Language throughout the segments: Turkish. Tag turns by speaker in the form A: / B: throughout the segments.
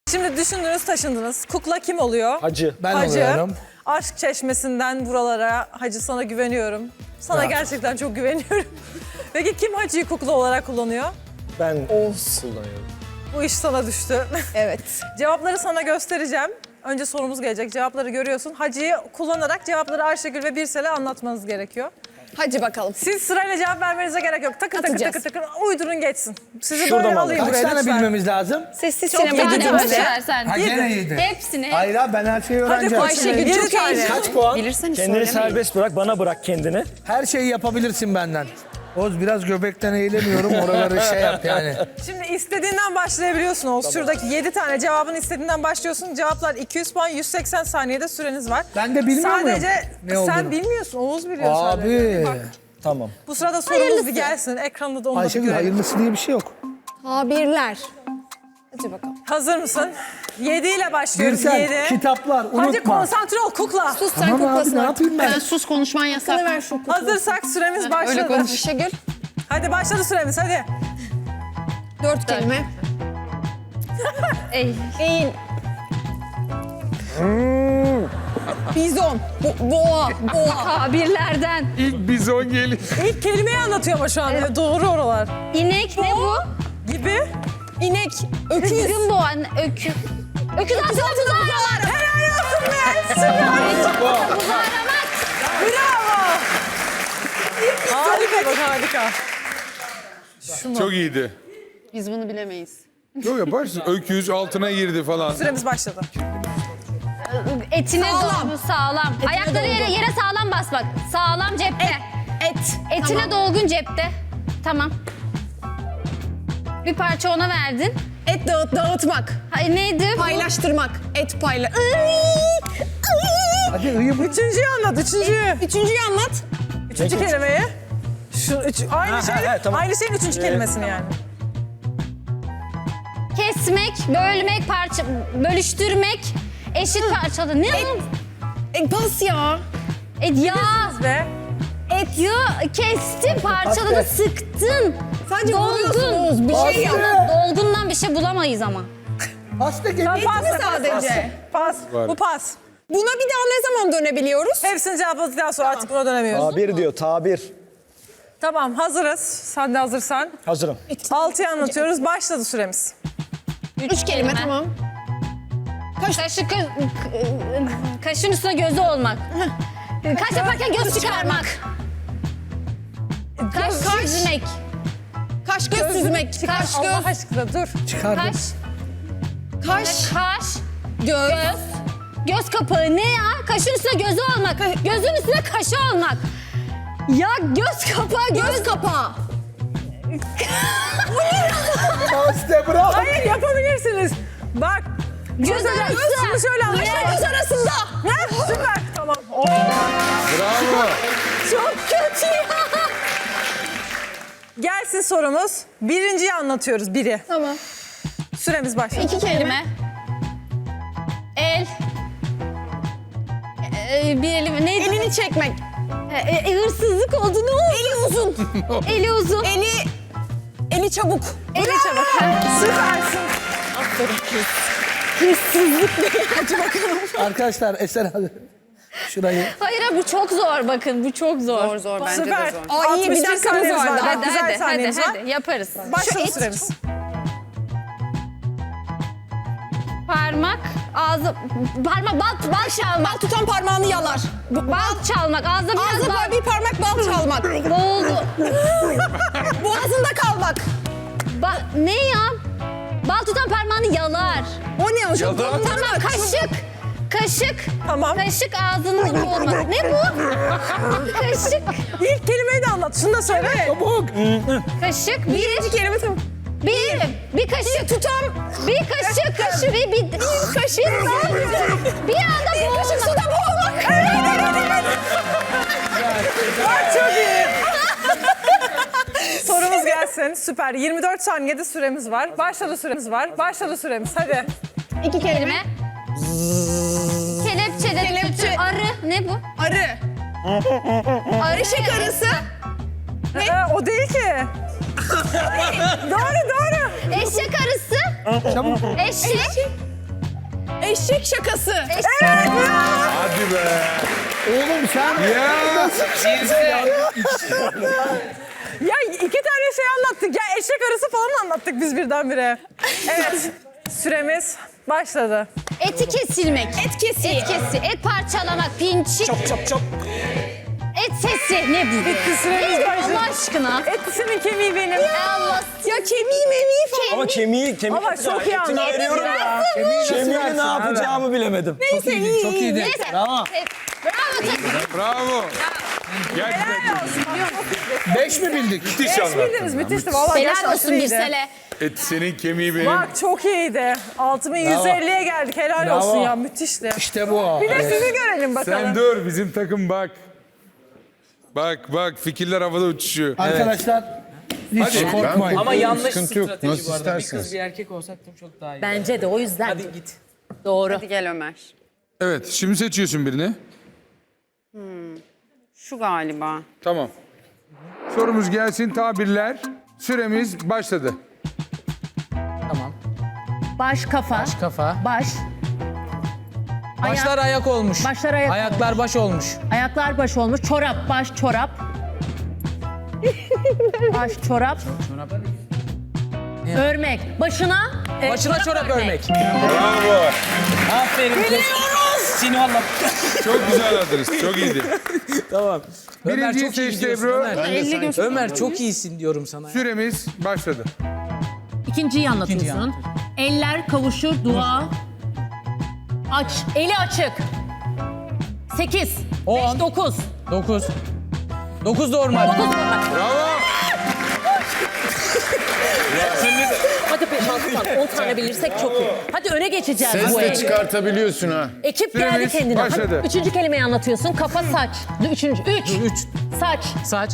A: Şimdi düşündünüz, taşındınız. Kukla kim oluyor?
B: Hacı.
C: Ben
A: Hacı.
C: oluyorum.
A: Aşk çeşmesinden buralara. Hacı, sana güveniyorum. Sana
C: Bravo.
A: gerçekten çok güveniyorum. Peki kim Hacı'yı kukla olarak kullanıyor?
B: Ben kullanıyorum.
A: Bu iş sana düştü.
D: Evet.
A: Cevapları sana göstereceğim. Önce sorumuz gelecek. Cevapları görüyorsun. Hacı'yı kullanarak cevapları Ayşegül ve Birsel'e anlatmanız gerekiyor.
D: Hadi bakalım.
A: Siz sırayla cevap vermenize gerek yok. Takır takır
D: Atacağız.
A: takır takır uydurun geçsin. Sizi
B: Şurada
A: böyle
B: mı
A: alayım
C: Kaç
A: buraya
C: tane
A: lütfen.
C: bilmemiz lazım?
D: Sessiz
A: Çok
D: sinema.
A: yedi
D: Hadi
A: tane.
D: sen.
C: Ha gene iyiydi.
E: Hepsini.
C: Hayır abi ben her şeyi
A: Hadi
C: öğreneceğim.
D: Ayşegül
A: Yedi
D: çok
A: tane.
D: iyi.
B: Kaç puan?
D: Bilirseniz
B: Kendini
D: söylemeyin.
B: serbest bırak, bana bırak kendini.
C: Her şeyi yapabilirsin benden. Oğuz biraz göbekten eğilemiyorum. Oraları şey yap yani.
A: Şimdi istediğinden başlayabiliyorsun Oğuz. Şuradaki 7 tane cevabını istediğinden başlıyorsun. Cevaplar 200 puan, 180 saniyede süreniz var.
C: Ben de bilmiyor muyum
A: Sadece
C: ne
A: sen
C: olduğunu?
A: bilmiyorsun, Oğuz biliyor sadece.
C: Abi.
A: Bak,
B: Tamam.
A: bu sırada sorumuz bir gelsin. Ekranda da onu da bir
C: Ayşegül
A: görelim.
C: hayırlısı diye bir şey yok.
D: Tabirler. Hadi bakalım.
A: Hazır mısın? 7 ile başlıyoruz.
C: Birsel,
A: 7.
C: kitaplar
A: Hadi
C: unutma.
A: konsantre ol kukla.
D: Sus sen
C: Tamam abi
D: kuklasın
C: ne
D: artık.
C: yapayım ben?
E: Sen sus, konuşman yasak.
D: Hakkını ver şu kukla.
A: Hazırsak süremiz başladı.
D: Ayşegül.
A: Hadi başladı süremiz, hadi.
D: 4 kelime.
E: Ey.
D: Eğil. Bizon. Boğa. Boğa.
E: Tabirlerden.
F: İlk bizon gelir.
A: İlk kelimeyi anlatıyor ama şu an. Doğru oralar.
E: İnek ne bu?
A: Gibi.
D: İnek. Öküz.
E: Kızgın boğa. Öküz. Öküz altında buzağı aramak.
A: Helal olsun be. Süper.
E: Buzağı aramak.
A: Bravo. Harika bak, harika.
F: Çok iyiydi.
E: Biz bunu bilemeyiz.
F: Yok yaparsın. Öküz altına girdi falan.
A: Süremiz başladı.
E: Etine
D: Sağlam.
E: dolgun sağlam. Ayakları yere sağlam basmak. Sağlam cepte. Etine dolgun cepte. Tamam. Bir parça ona verdin.
D: Et dağıtmak.
E: Hay neydi bu?
D: Paylaştırmak. Et payla.
C: Hadi ıyı bu.
A: Üçüncüyü anlat, üçüncüyü.
D: Üçüncüyü anlat.
A: Üçüncü kelimeyi. Aynı
B: Ha,
A: şey,
B: ha, tamam.
A: aynı şeyin üçüncü kelimesini yani.
E: Kesmek, bölmek, bölüştürmek, eşit parçalı. Ne bu?
D: Pas ya.
E: Ya.
A: Ve
E: Ya kestin, parçaladın, sıktın.
D: Sadece vuruyorsun Oğuz. Bir şey yap.
E: Dolgundan bir şey bulamayız ama.
C: Hasta gemi.
A: pas
D: mi sadece?
A: Pas.
F: Var.
A: Bu pas.
D: Buna bir daha ne zaman dönebiliyoruz?
A: Hepsini cevapladıktan sonra artık buna dönemiyoruz.
B: Tabir diyor, tabir.
A: Tamam, hazırız. Sen de hazırsan.
B: Hazırım.
A: 6'yı anlatıyoruz. Başladı süremiz.
D: 3 kelime tamam.
E: Kaşın üstüne gözü olmak. Kaş yaparken göz çıkarmak. Kaş süzmek.
D: Kaş göz süzmek. Kaş
A: Allah
D: göz.
A: aşkına dur.
C: Çıkardım.
E: Kaş,
D: Kaş.
E: kaş,
D: Göz.
E: göz. Göz kapağı ne ya? Kaşın üstüne gözü olmak. Gözün üstüne kaşı olmak. Ya göz kapağı,
D: Göz kapağı.
C: Hasta bravo.
A: Hayır, yapabilirsiniz. Bak.
E: göz arası.
A: Şunu şöyle anlat.
D: Göz arasında.
A: Ha, süper. Tamam. Oh,
F: Bravo.
A: çok kötü ya. Gelsin sorumuz. Birinciyi anlatıyoruz, biri.
D: Tamam.
A: Süremiz başladı.
D: 2 kelime.
E: Kelime. El. Bir elim neydi?
D: Elini çekmek.
E: Hırsızlık oldu ne oldu?
D: Eli uzun.
E: Eli uzun.
D: Eli çabuk.
E: Eli çabuk.
A: Süpersin.
C: Arkadaşlar Eser hadi. Şurayı.
E: Hayır bu çok zor bakın bu çok zor.
D: Zor
A: Süper.
D: Aa, iyi, bir
A: 61
D: dakikamız
A: saniyemiz
D: var.
A: Bak,
E: Hadi
A: güzel
E: hadi hadi,
A: saniyemiz var.
E: hadi yaparız.
A: Başladı
D: Şu it.
A: süremiz.
E: Parmak, ağzı, parmak, bal çalmak.
D: Bal tutan parmağını yalar.
E: Bal çalmak, ağzına biraz
D: Ağzına
E: bal.
D: bir parmak bal çalmak.
E: Boğuldu.
D: Boğazında kalmak.
E: Ne ya? Bal tutan parmağını yalar.
D: O ne hocam?
F: Yalan.
E: Tamam kaşık. Kaşık.
A: Tamam.
E: Kaşık ağzının boğulmak. Ne bu? Kaşık.
A: İlk kelimeyi de anlat. Şunu da söyle.
C: Çabuk.
E: Kaşık.
D: Birinci kelime tamam.
E: Bir kaşık. Tutam. Bir kaşık. Bir kaşık. Bir anda
D: Bir kaşık suda boğulmak.
A: Bak, çok iyi. Sorumuz gelsin. Süper. 24 saniyede süremiz var. Başladı süremiz var. Başladı süremiz. Hadi.
D: 2 kelime.
E: kelime. Kelepçe.
D: Kelepçe.
E: Arı. Ne bu?
D: Arı.
E: Arı.
D: Eşek arısı.
A: O değil ki. doğru.
E: Eşek arısı.
C: Çabuk.
E: Eşek.
D: Eşek şakası.
F: Hadi be.
C: Oğlum sen
F: Ya.
A: Ya iki tane şey anlattık. Ya eşek arısı falan anlattık biz birdenbire. Evet. Süremiz başladı.
E: Eti kesilmek.
D: Et kesiği.
E: Et kesi. Et parçalamak. Pinçik.
B: Çop.
E: Et sesi. Ne bu?
A: Bitti, süremiz başladı.
E: Allah aşkına.
A: Etisinin kemiği benim.
E: Allah.
D: Ya kemiği memeği falan.
B: Ama kemiği
A: Ama çok iyi
B: etini
A: anladım.
B: ayırıyorum ya. Kemiği ne yapacağımı bilemedim.
D: Neyse iyi.
C: çok iyiydi.
E: Neyse.
B: Bravo.
E: Bravo takım.
F: Bravo. Gerçekten
C: 5 mi bildik?
F: müthiş anlattın.
A: Bildiniz, müthişti. Vallahi
E: Helal
A: gerçekten
E: olsun
A: iyiydi.
E: Birsel'e.
F: Et senin kemiği benim.
A: Bak çok iyiydi. 6150'ye geldik. Helal
C: Bravo.
A: olsun ya, müthişti.
C: İşte bu.
A: Bir de sizi görelim bakalım.
F: Sen dur bizim takım bak. Bak fikirler havada uçuşuyor.
C: Arkadaşlar hiç korkmayın.
G: Ama yanlış
F: Sıkıntı yok.
G: strateji
F: Nasıl
G: bu arada. Bir
F: isterseniz.
G: kız bir erkek olsak da çok daha iyi.
H: Bence de o yüzden.
G: Hadi git.
H: Doğru.
D: Hadi gel Ömer.
F: Evet şimdi seçiyorsun birini.
D: Şu galiba.
F: Tamam. Sorumuz gelsin tabirler. Süremiz başladı.
G: Tamam.
H: Baş kafa.
G: Kafa.
H: Baş.
G: Başlar ayak olmuş.
H: Başlar ayak
G: Ayaklar baş olmuş.
H: Ayaklar baş olmuş. Çorap. Baş çorap. Baş çorap. Örmek. Başına.
G: Başına çorap örmek.
F: Bravo.
G: Aferin kız. Seni valla.
F: Çok güzel adres. Çok iyiydi.
G: Tamam. Ömer
F: Birinciyi
G: çok iyi
F: seçti
G: gidiyorsun
F: Ebru.
G: Ömer. Ömer çok iyisin diyorum sana.
F: Süremiz başladı.
H: İkinciyi anlatıyorsun. Eller kavuşur. Dua. Aç. Eli açık. 8.
G: 10.
H: 5, 9.
G: 9. 9 normal.
F: Bravo.
H: Hadi 5-6 tane. 10 tane bilirsek çok iyi. Hadi öne geçeceğiz
I: Ses
H: bu
I: de
H: el.
I: çıkartabiliyorsun ha.
H: Ekip geldi
F: Süremiz
H: kendine.
F: başladı.
H: Hadi, üçüncü kelimeyi anlatıyorsun. Kafa saç. Üçüncü.
G: 3.
H: Saç.
G: Saç.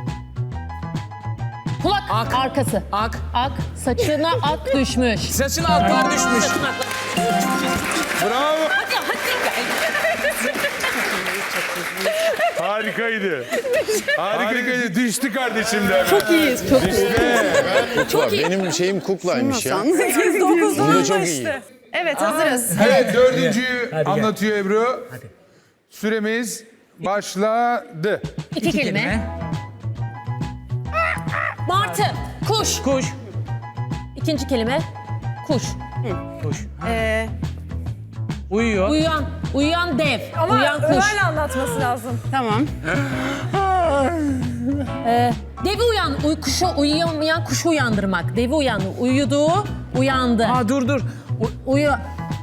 H: Kulak.
G: Ak.
H: Arkası.
G: Ak.
H: Ak. Saçına ak düşmüş.
G: Saçına aklar düşmüş.
H: Saçına ak.
F: Bravo.
H: Hadi hadi.
F: Harikaydı. Harikaydı. Düştü kardeşim de. Çok
H: İyiyiz. Çok iyi.
I: Kukla. Benim şeyim kuklaymış ya.
A: 8-9
I: Bunda
A: oldu
I: çok iyi.
A: işte.
D: Evet hazırız.
F: Evet dördüncüyü anlatıyor Ebru. Süremiz başladı.
H: İki kelime. Martı. Kuş.
G: Kuş.
H: İkinci kelime. Kuş.
G: Kuş. Uyuyor.
H: Uyuyan. Uyuyan dev.
A: Ama
H: Uyuyan kuş.
A: Ömer'le anlatması lazım.
D: Tamam.
H: Devi kuşu uyuyamayan kuşu uyandırmak. Devi uyandı. Uyuduğu uyandı.
G: Aa dur.
H: Uyu.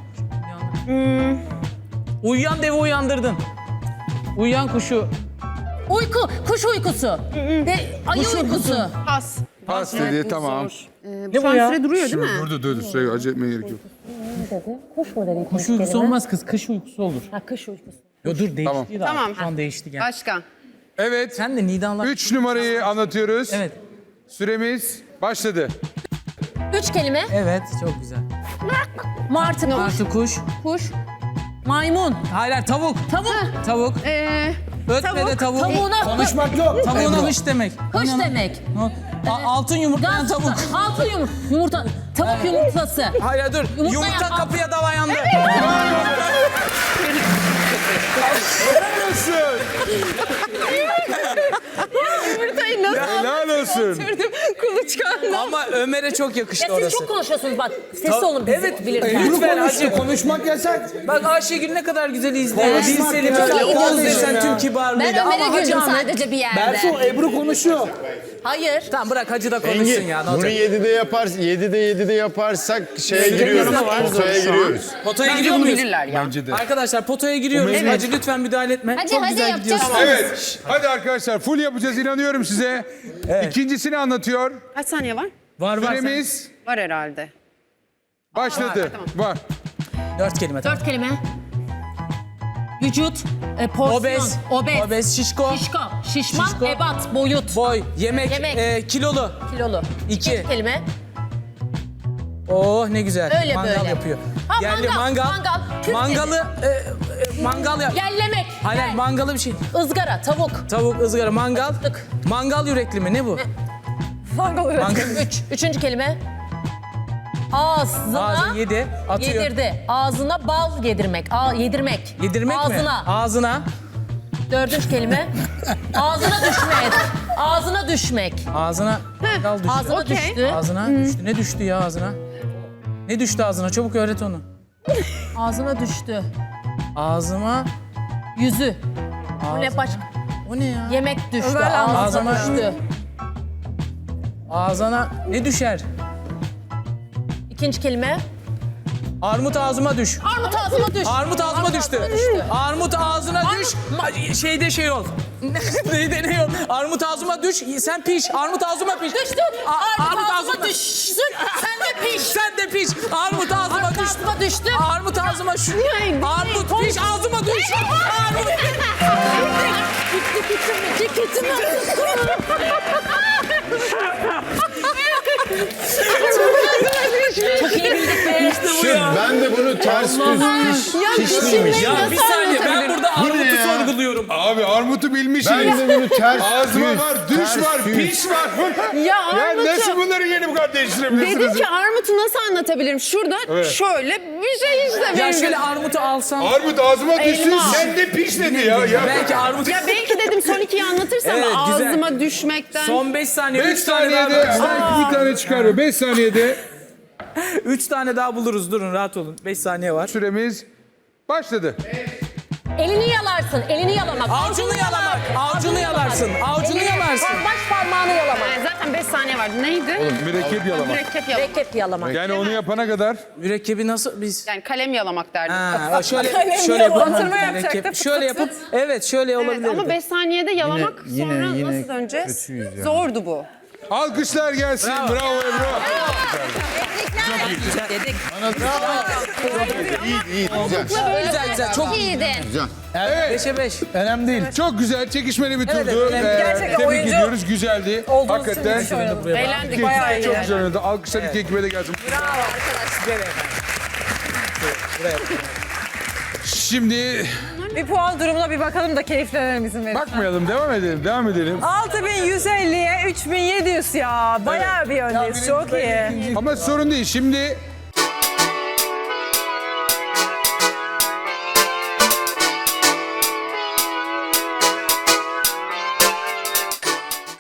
G: Uyuyan devi uyandırdın. Uyuyan kuşu.
H: Uyku. Kuş uykusu. Ayı uykusu.
D: Pas.
F: Pas dedi tamam.
G: Ne bu ya?
D: Süre duruyor değil mi?
F: Durdu. Süre acele etmeye gerek yok.
H: Kuş mu dedi?
G: Kuş uykusu olmaz kız. Kış uykusu olur.
H: Ha, kış uykusu.
G: Yo dur değişti
F: Tamam.
G: daha.
D: Tamam.
G: Şu an değişti gel.
D: Başka.
F: Evet.
G: Sen de Nidan'la...
F: 3 numarayı anlatıyoruz.
G: Evet.
F: Süremiz başladı.
H: 3 kelime.
G: Evet çok güzel.
H: Martı. Kuş.
G: Artı kuş.
H: Kuş. Maymun.
G: Hayır tavuk.
H: Tavuk.
G: Tavuk. Ötme de tavuk.
H: Tavuğuna.
C: Konuşmak yok.
G: Tavuğuna hış demek.
H: Kuş demek.
G: Altın yumurtlayan
H: Gaz-
G: tavuk.
H: Altın yumurta. Tavuk yumurtası.
G: Hayır dur.
H: Yumurta
G: Yumurta
H: yap-
G: kapıya dayandı.
F: Helal olsun.
D: Yumurtayı nasıl
F: Helal olsun.
D: sürdüm? Kuluçkanla.
G: Ama Ömer'e çok yakıştı
H: Ya siz
G: orası.
H: çok konuşuyorsunuz bak. Sesli olun biz
G: Evet.
H: bilirken.
G: Lütfen hacı.
C: Konuşmak yasak.
G: Bak Ayşegül ne kadar güzel izliyor. Bilseli
H: Çok
G: böyle
H: iyi
G: Oğuz
H: gidiyorsun
G: desen
H: ya.
G: tüm
E: Ben
G: kibarlığıyla.
E: Ömer'e
G: Ama Hacı
E: güldüm
G: Ahmet...
E: sadece bir yerde.
C: Berfu, Ebru konuşuyor.
H: Hayır.
G: Tamam bırak Hacı da konuşsun
I: Engin,
G: ya. Ne
I: bunu
G: olacak?
I: 7'de yaparsak şeye giriyoruz. Potaya giriyoruz.
G: Potaya
D: Bence
G: giriyor
D: bunu
G: muyuz?
D: bilirler ya.
F: Bence de.
G: Arkadaşlar potaya giriyoruz. Hacı lütfen müdahale etme.
E: Hadi,
G: çok
E: hadi
G: güzel
E: yapacağız.
G: gidiyorsun.
F: Evet. Hadi arkadaşlar full yapacağız inanıyorum size. İkincisini anlatıyor.
D: Kaç saniye var?
G: Var sen.
F: Süremiz
D: Var herhalde.
F: başladı. Var.
G: 4 kelime tamam.
H: 4 kelime. Vücut. Porsiyon.
G: Obez. Obez. Şişko.
H: Şişko. Şişman.
G: Şişko.
H: Ebat. Boyut.
G: Boy. Yemek.
H: Yemek.
G: Kilolu.
H: Kilolu.
G: 2.
H: 2 kelime.
G: Oh ne güzel.
H: Öyle
G: mangal
H: böyle.
G: yapıyor.
H: Ha,
G: Yerli
H: mangal,
G: mangal.
H: mangal. Türk
G: Mangalı mangal yap.
H: Yellemek.
G: Hayır hayır, mangalı bir şey.
H: Izgara. Tavuk.
G: Tavuk, ızgara, mangal.
H: Ağzına
G: Ağzı yedi. Atıyor.
H: yedirdi. Ağzına bal yedirmek. Yedirmek.
G: Yedirmek
H: Ağzına.
G: mi? Ağzına.
H: Dördüncü kelime. Ağzına düşmek. Ağzına düşmek.
G: Ağzına. Mangal düştü.
H: Ağzına
D: Okey.
H: düştü.
G: Ağzına düştü. Ne düştü ya ağzına? Ne düştü ağzına? Çabuk öğret onu.
H: Ağzına düştü.
G: Ağzıma.
H: Yüzü. Bu
G: Ağzıma.
H: ne başka?
G: O ne ya?
H: Yemek düştü.
A: Ömer
H: Ağzına
G: ağzıma-
H: düştü.
G: Ağzına ne düşer?
H: İkinci kelime.
G: Armut ağzıma düş.
H: Armut ağzıma düş.
G: Armut ağzıma düştü. Armut ağzına düş. Şeyde şey ol. Neydi ne ol? Armut ağzıma düş. Sen piş. Armut ağzıma piş.
H: Düştü. Armut ağzıma düşsün. Sen de piş.
G: Sen de piş. Armut ağzıma
H: Armut
G: düştü.
H: ağzıma düştü.
G: Armut ağzıma şu. Armut piş ağzıma düş. Armut.
H: Ceketimi Çok iyi bildik be.
I: Ben de bunu ters düz pişliymiş.
G: Ya bir saniye ben burada
I: Bu ne
G: armutu
I: ya?
G: sorguluyorum.
F: Abi armutu bilmişsiniz.
I: Ben de bunu ters
F: Ağzıma
I: düz,
F: var, düş
I: ters
F: var,
I: düz.
F: piş var.
D: Ya
F: Ya
D: armutu.
F: nasıl bunları yeni bu kadar değiştirebilirsiniz?
D: Dedim ki armutu nasıl anlatabilirim? Şurada şöyle bir şey işte
G: Ya
D: benim.
G: şöyle armutu alsam.
F: Armut ağzıma düşsün,
D: Elma.
F: sen de piş dedi ya.
G: Belki armut.
D: Ya belki dedim son ikiyi anlatırsam
G: Evet, güzel.
D: ağzıma düşmekten.
G: Son 5 saniye.
F: 5
G: 3 tane daha.
F: saniyede bir tane çıkarıyor. 5 saniyede
G: 3 tane daha buluruz. Durun rahat olun. 5 saniye var.
F: süremiz başladı.
H: Elini yalarsın. Elini yalamak.
G: Avcunu yalamak. Avcunu yalarsın. Avcunu yalarsın.
H: Baş parmağını yalamak.
D: Zaten 5 saniye vardı. Neydi?
F: Mürekkep yalamak.
D: Mürekkep yalamak.
H: Reket yalamak.
F: Yani onu yapana kadar
G: Mürekkebi nasıl biz?
D: Yani kalem yalamak derdim.
G: Ha, şöyle
A: Batırma
G: yapıp
A: yapacaktık.
G: şöyle yapıp evet şöyle
D: Evet,
G: olabilir.
D: ama 5 saniyede yalamak
I: yine-
D: sonra
I: yine
D: nasıl döneceğiz?
I: kötüyüz yani.
D: Zordu bu.
F: alkışlar gelsin. Bravo Ebru.
I: İyi, güzel.
G: Güzel güzel çok iyi.
E: İyiydin.
I: Güzel.
G: 5'e 5.
C: Önemli değil.
F: Çok güzel, çekişmeli bir turdu.
G: evet,
A: Gerçekten
F: Tebrik
A: oyuncu
F: ediyoruz, güzeldi.
A: olduğunuz için
F: Hakikaten
A: müthiş oynadınız.
D: Eğlendik.
A: Bayağı iyi.
F: çok güzel oynadı. Alkışlar iki ekibe de gelsin. Şimdi
A: Bir puan durumuna bir bakalım da keyiflenelim izin verin.
F: bakmayalım, devam edelim.
A: 6150'ye 3700 ya. Bayağı bir öndeyiz. Çok iyi.
F: Ama sorun değil. Şimdi